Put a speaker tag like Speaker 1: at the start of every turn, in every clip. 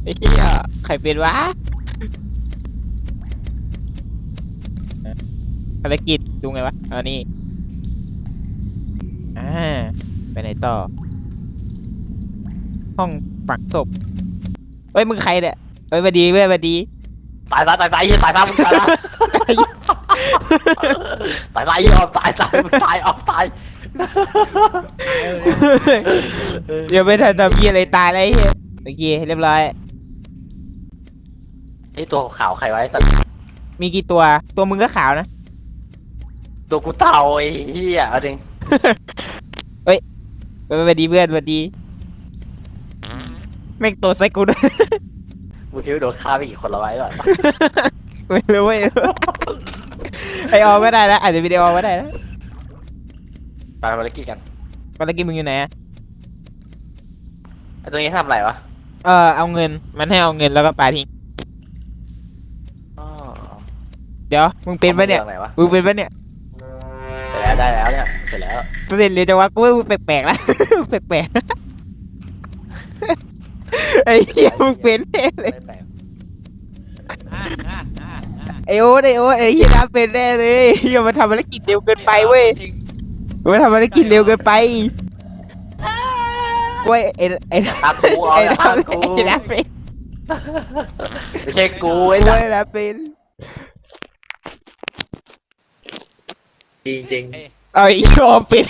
Speaker 1: อ้เหี้ยใครเป็นวะภารกิจดูไงวะนี่ไปไหนต่อห้องฝังศพเฮ้ยมึงใครเนี่ยเฮ้ยมาดีเว้ยมาดี
Speaker 2: ตายมึงตายละตายออกตายออกตาย
Speaker 1: เดี๋ยวไม่ทันทำเหี้ยอะไรตายแล้วไอ้เหี้ยโอเคเรียบร้อย
Speaker 2: ไอตัวขาวใครไว้สัตว์
Speaker 1: มีกี่ตัวมึงก็ขาวนะ
Speaker 2: ตัวกูเต่าไอ้เหี้ยเอาดิ
Speaker 1: มาดีเพื่อนมาดีแม่งตัวไซกูด้วย
Speaker 2: มึงคิดว่าโดนฆ่าไปกี่คนละไว้ก่อน
Speaker 1: ไม่รู้เว้ยไอออก็ได้นะอาจจะวิดีโอก็ได้นะ
Speaker 2: ไปภารกิจกัน
Speaker 1: ภารกิจมึงอยู่ไหนอะ
Speaker 2: ไอตัวนี้ทำอะไรวะ
Speaker 1: เอาเงินมันให้เอาเงินแล้วก็ปาทิ้ง
Speaker 2: อ๋อ
Speaker 1: เดี๋ยวมึงเป็นปะเนี่ย
Speaker 2: อามือไหนวะ
Speaker 1: มึงเป็นปะเนี่ย
Speaker 2: เสร็จแล้วได้แล้วเนี่ยเสร็จแล้ว
Speaker 1: ตัวเด่นเลยจังวะกูว่ามึงแปลกๆแล้ว แปลกๆไอ้เหี้ยมึงเป็นแน่เลย
Speaker 2: ไม่แปลก
Speaker 1: ไอโอ๊ตไอ้เหี้ยน้ำเป็นแน่เลยอย่ามาทำภารกิจเร็วเกินไปเว้ยมาทำภารกิจเร็วเกินไปกล้วยไอ้
Speaker 2: ตากูเอา
Speaker 1: ไอ้
Speaker 2: ละ
Speaker 1: น้ำ
Speaker 2: ตากู
Speaker 1: ไอ้น้ำเป็น
Speaker 2: ไม่ใช่กูไอ้
Speaker 1: กล้
Speaker 2: สั
Speaker 1: ว
Speaker 2: ต
Speaker 1: ย
Speaker 2: ว์
Speaker 1: น้ำเป็น
Speaker 3: จริง
Speaker 1: เอาไอ้ยอมเป็น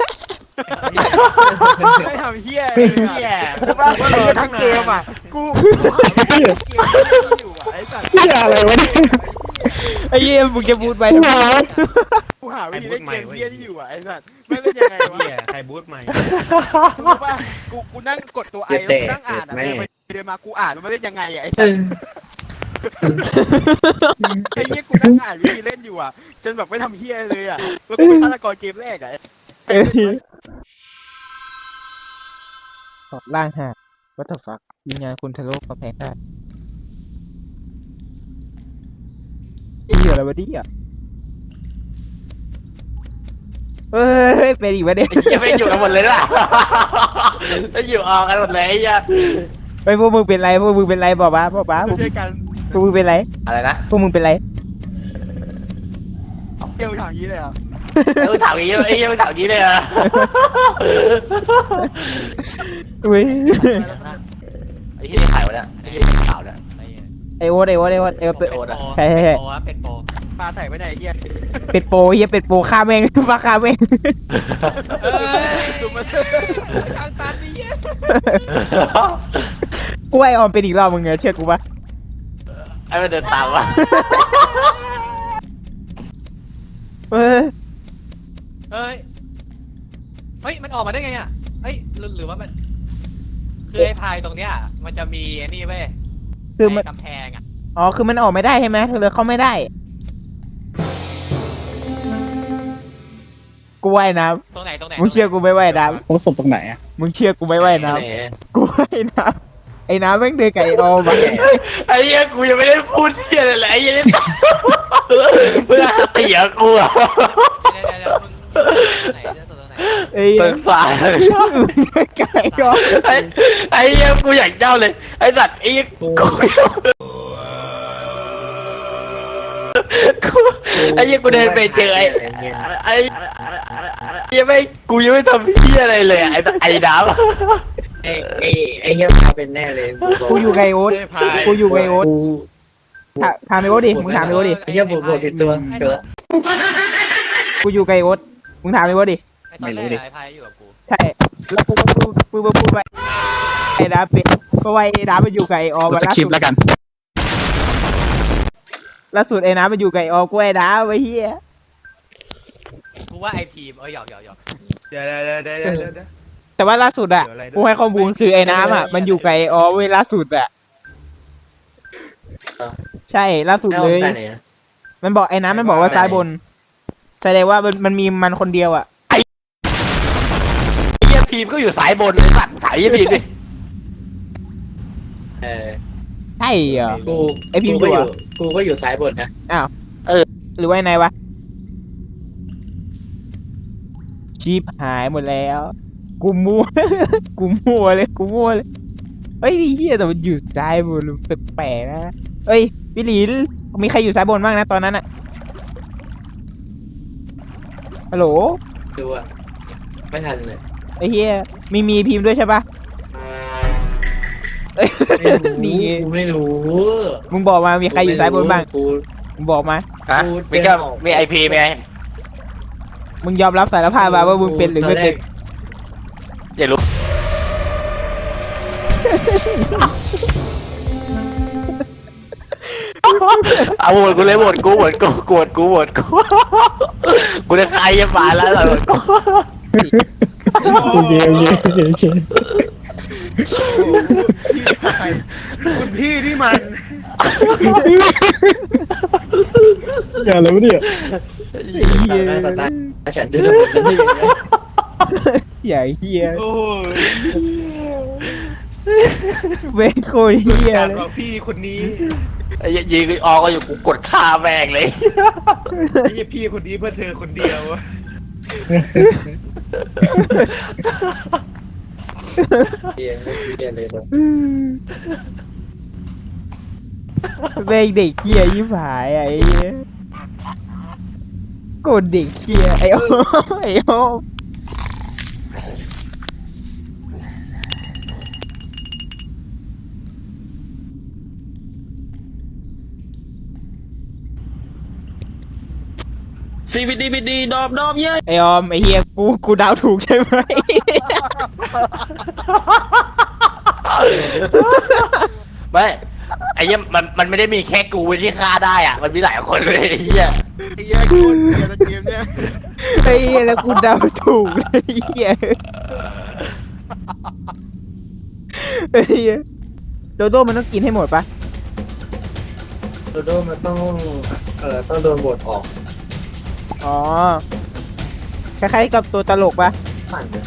Speaker 4: ไม่ทำเฮี้ยเลยอ่ะกูว่าทั้งเกมอ่ะกูหาเกมอยู่อ่ะไอ้สัตว์
Speaker 1: เหี้ยอะไรวะเนี่ยไอ้เหี้ยมึงจะพูดไปทำไม
Speaker 4: กูหาวิธีเล่นเกมเฮี้ยที่อยู่อ่ะไอ้สัตว์ไม่เล่นยังไงวะ
Speaker 3: เฮียใครบูทใหม่
Speaker 4: กูรู้ป่ะกูนั่งกดตัวไอแล้วกูนั่งอ่านอ่ะเดินไปเดินมากูอ่านมันเล่นยังไงอ่ะไอ้สัตว์ไอ้เฮี้ยกูนั่งอ่านวิธีเล่นอยู่อ่ะจนแบบไม่ทำเฮี้ยเลยอ่ะแล้วกูเป็นฆาตกรเกมแรกอ่ะ
Speaker 1: ถอดร่างฮะวัตถุฟักวิญญาณคุณทะลุกำแพงได้เหี้ยอะไรวะเนี่ยเฮ้ยเป็นอีกวะเนี่ย
Speaker 2: ไอ้เหี้ยไม่อยู่กันหมดเลยล่ะไม่อยู่ออกกันหมดเลยไอ้เหี้ย
Speaker 1: ไอ้พวกมึงเป็นไรพวกมึงเป็นไรบอกมาพวก
Speaker 4: ช่วยกัน
Speaker 1: มึงเป็นไร
Speaker 2: อะไรนะ
Speaker 1: พวกมึงเป็นไร
Speaker 4: เกมทางนี้เลยอ่ะ
Speaker 2: เออถามอย่างงี้ไอ้เหี้ยมึงถามอย่างงี้เลยเหรอ
Speaker 1: เว้ย
Speaker 2: ไอ้เหี้ยนี่ใครวะเนี่ยไอ้เหี้ยขาวเนี่ย
Speaker 1: ไอโอ๊ตเป็น
Speaker 2: โอ๊ตอะ
Speaker 1: ใช่
Speaker 3: เป็นโป
Speaker 4: ปลาใส่ไปไหนเฮี้ย
Speaker 1: เป็นโปเฮียเป็นโปฆ่าแม่ง ฟ้าฆ่าแม่ง
Speaker 4: ดูมันทางตันนี่เฮี้ย
Speaker 1: กูไอออมเป็นอีกรอบมึงเชื่อกูปะ
Speaker 2: ไอ้มันเดินตามวะ
Speaker 1: เออ
Speaker 3: เฮ้ยมันออกมาได้ไงอ่ะเฮ้ยหรือว่ามันคือไอ้พายตรงเนี้ยมันจะมีไอ้นี่เว้ย
Speaker 1: คือมัน
Speaker 3: กำแพงอ่ะ
Speaker 1: อ๋อคือมันออกไม่ได้ใช่ไหมเลยเข้าไม่ได้กูว่ายน้
Speaker 3: ตรงไหน
Speaker 1: ำมึงเชื่อกูไม่ว่ายน้
Speaker 5: พบศพตรงไหนอ่ะ
Speaker 1: ำมึงเชื่อกูไม่ว่ายน้ำกูว่ายน้ำไอ้น้ำแม่งเดินกับไอออมมา
Speaker 2: ไอ้เหี้ยกูยังไม่ได้พูดเหี้ยอะไรเลยไอ้เหี้ยนี่มึงอะเตี๋ยกูอะ
Speaker 3: เดี๋ยวมึงตรงไหนตรงไหน
Speaker 1: ไอ้
Speaker 2: ตึกสาย
Speaker 1: ไก่ออม
Speaker 2: ไอ้เหี้ยกูอยากเจ้าเลยไอ้สัตว์ไอ้เหี้ยไอ้เหี้ยกูเดินไปเจอไอ้ยังไม่กูยังไม่ทำเหี้ยอะไรเลยอะไอ้ดาว
Speaker 5: ไอ้เหี้ยพาเป็นแน่เลย
Speaker 1: กูอยู่ไงโอ๊ตกูอยู่ไงโอ๊ตถามไอโอ๊ตดิมึงถามไอโอ๊ตดิ
Speaker 5: ไอ้เหี้ยบวกผิดตัวเสือ
Speaker 1: กูอยู่ไงโอ๊ตมึงถามไอโอ๊ตดิ
Speaker 3: ไอ้ตอนแรกไอ้พายอยู่กับกู
Speaker 1: ใช่แล้วกูพูดไปไอ้น้ำเป็นเพราะว่าไอ้น้ำมันอยู่กับไอออมมาล่าสุดล่าสุดไอ้น้ำมันอยู่กับไอออมกูไอ้น้ำไอ้เหี้ย
Speaker 3: กูว่าไอ้ทีมหยอก
Speaker 4: เดี๋ยว
Speaker 1: แต่ว่าล่าสุดอ่ะกูให้ข้อมูลคือไอ้น้ำอ่ะมันอยู่กับไอออมเว้ยล่าสุดอ่ะใช่ล่าสุด
Speaker 5: แล้ว
Speaker 1: เลย
Speaker 5: ใส่ไหนอ่ะ
Speaker 1: มันบอกไอ้น้ำมันบอกว่าซ้ายบนแสดงว่ามันมีมันคนเดียวอ่ะ
Speaker 2: ไอ้เหี้ยทีมก็อยู่สายบนเลยสัตว์สายเหี้ยทีมดิ
Speaker 1: ใช่เหรอ
Speaker 5: กู
Speaker 1: ไอ้พิมพ์
Speaker 5: กูก็
Speaker 1: ดู
Speaker 5: อยู่
Speaker 1: อะ
Speaker 5: กูก็อยู่ซ้ายบนนะ
Speaker 1: หรือว่าไงวะชีพหายหมดแล้ว กูมั่ว กูมั่วเลยเฮ้ยเฮียแต่มันอยู่ซ้ายบนแปลกๆนะเฮ้ยพี่หลินมีใครอยู่ซ้ายบนบ้างนะตอนนั้นอะฮัลโหล
Speaker 5: ดูอะไม่ทันเลย
Speaker 1: ไอ้เฮียมีพิมพ์ด้วยใช่ปะเอ้ยนี่ไง
Speaker 5: กูไม่รู้
Speaker 1: มึงบอกมามีใครอยู่ซ้ายบนบ้าง
Speaker 5: กู
Speaker 1: มึงบอกมา
Speaker 2: ฮะมีก็มีไอพีไหม
Speaker 1: มึงยอมรับสารภาพมาว่ามึงเป็นหรือไม่เป็น
Speaker 2: อย่ารู้เอาโหวตกูเลยโหวตกูกูจะใครจะมาแล้วโหวตกู
Speaker 1: โอเค
Speaker 4: คุณพี่ที่มัน
Speaker 1: อย่าแล้วเนี่ย
Speaker 5: ต่อหน้าฉันดูแล้วผมจะยังไง
Speaker 1: อย่าเฮีย
Speaker 4: โอ้ย
Speaker 1: เว้ยโคตรเฮีย
Speaker 4: การ
Speaker 1: เลย
Speaker 4: บอกพี่คนนี้
Speaker 2: ไอ้ยิงออกก็อยู่กูกดฆ่าแม่งเลย
Speaker 4: ไอ้พี่คนนี้เพื่อเธอคนเดียว
Speaker 5: เรียนไม่เรียนเลยเลย
Speaker 1: เว้ยเด็กเฮียยิ่งหายอ่ะไอ้เหี้ยโกรธเด็กเฮียไอ้โอ้ไอ้โอ้
Speaker 5: CBD ดอมเย้
Speaker 1: ไอ้ออมไอ้เฮียกูเดาถูกใช่ไหม
Speaker 2: ไม่ไอ้เหี้ยมันไม่ได้มีแค่กูที่ฆ่าได้อ่ะมันมีหลายคนเลยไอ้เหี้ย
Speaker 4: ไอ้เหี้ยกูเกมเกมเนี่ย
Speaker 1: ไอ้เฮียแล้วกูเดาถูกเลยไอ้เฮียไอ้เฮียโดโดมันต้องกินให้หมดปะ
Speaker 5: โดโดมันต้องโดนบทออก
Speaker 1: อ๋อคล้ายๆกับตัวตลกปะ
Speaker 5: ปั่นเนี่ย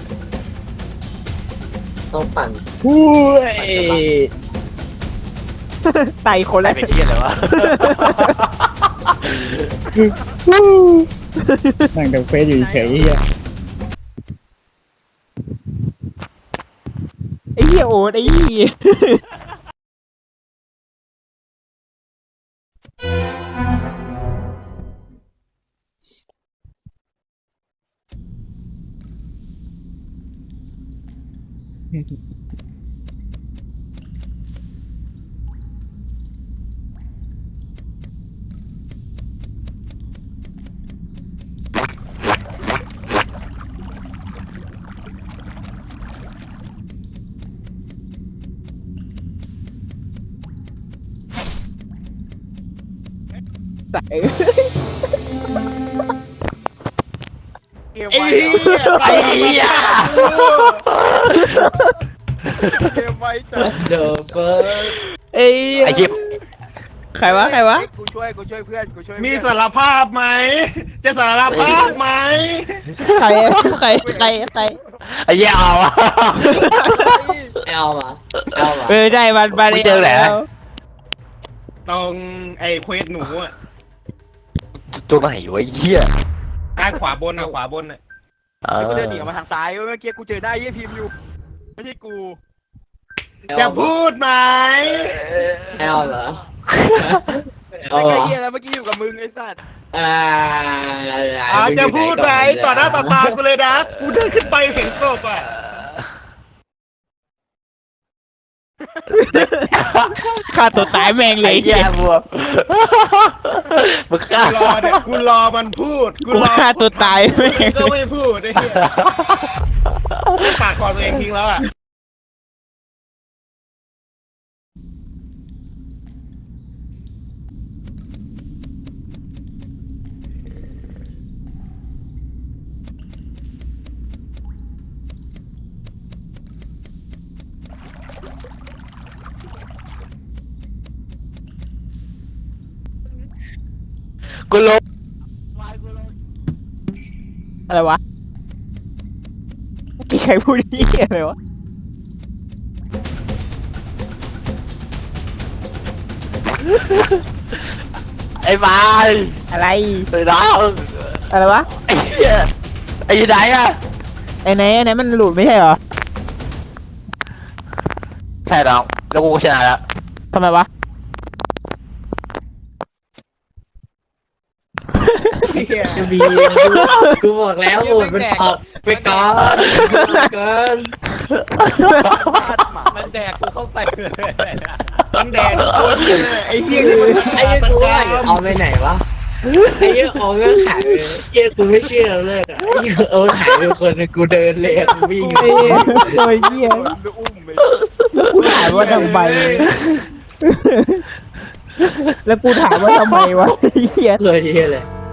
Speaker 5: ต้องปั่น
Speaker 1: ไตคน
Speaker 2: อะไร
Speaker 1: ละ
Speaker 2: เป็นเหี้ยอะไรวะ
Speaker 6: นั่งดูเฟซอยู่เฉยๆเฮีย
Speaker 1: ไอ้เฮียโอ๊ตไอ้เฮียใส่
Speaker 4: เกมไว้
Speaker 2: ไอ้เหี้ย
Speaker 4: เกมไว้จ้ะ
Speaker 5: เดอะเฟิร์ส
Speaker 1: ไอ้
Speaker 2: ไอ้เหี้ย
Speaker 1: ใครวะ
Speaker 4: กูช่วยเพื่อนกูช่วย
Speaker 6: มีสารภาพไหม จะสารภาพไหม
Speaker 1: ใคร
Speaker 2: ไอ้เหี้ยเอาอะ
Speaker 5: เอามา
Speaker 1: ใช่มันมา
Speaker 2: มึงเจอไหน
Speaker 6: ตรงไอ้เควสหนูอ่ะ
Speaker 2: ตัวไหนวะไอ้เหี้ย
Speaker 6: ด้านขวาบนอ่ะขวาบนอ่ะ
Speaker 4: กูเดินหนีออกมาทางซ้ายเมื่อกี้กูเจอหน้าไอ้พิมพ์อยู่ไม่ใช่กู
Speaker 6: จะพูดไหม
Speaker 5: เอาเหรอ
Speaker 4: ไอ้ไอ้เหี้ยแล้วเมื่อกี้อยู่กับมึงไอ้สัตว์
Speaker 6: จะพูดไหมต่อหน้าต่อตากูเลยนะกูเดินขึ้นไปเห็นศพอ่ะ
Speaker 1: ฆ่าตัวตายแม่งเล
Speaker 2: ไอ้
Speaker 1: ย
Speaker 2: เหี้ยบัวมึงฆ่า
Speaker 6: กูรอมันพูด
Speaker 1: กูฆ่าตัวตายแม่ง
Speaker 6: ก็ไม่พูดไอ้เหี้ยปากคอตัวเองทิ้งแล้วอ่ะ
Speaker 2: กูลง
Speaker 1: อะไรวะกี่ใครพูดนี่อะไรวะ
Speaker 2: ไอ้บาย
Speaker 1: อะไร
Speaker 2: ไอ้น้อง
Speaker 1: อะไรวะ
Speaker 2: ไอ้เหี้ยไอ้ไหนอะ
Speaker 1: ไอ้ไหนมันหลุดไม่ใช่เหรอ
Speaker 2: ใช่น้องแล้วกูก็ชนะแล้ว
Speaker 1: ทำไมวะ
Speaker 5: จะมีกูบอกแล้วโหวตมันออกไปก่อน
Speaker 3: มันแดกกูเข้าไปเลย
Speaker 6: มันแดงคนไอ้เหี้ย
Speaker 5: ไอ้เหี้ยกูว่าเอาไปไหนวะไอ้เหี้ยเอาก็หายไปเหี้ยกูไม่เชื่อเลยอ่ะไอ้เหี้ยเอาหายไปคนนึงกูเดินเลยกูวิ่ง
Speaker 1: ไอ้โอ้ยเหี้ย
Speaker 4: อุ้มไป
Speaker 1: กูถามว่าทำไมแล้วกูถามว่าทำไมวะไอ้เหี้ย
Speaker 5: เลยเหี้ยเลย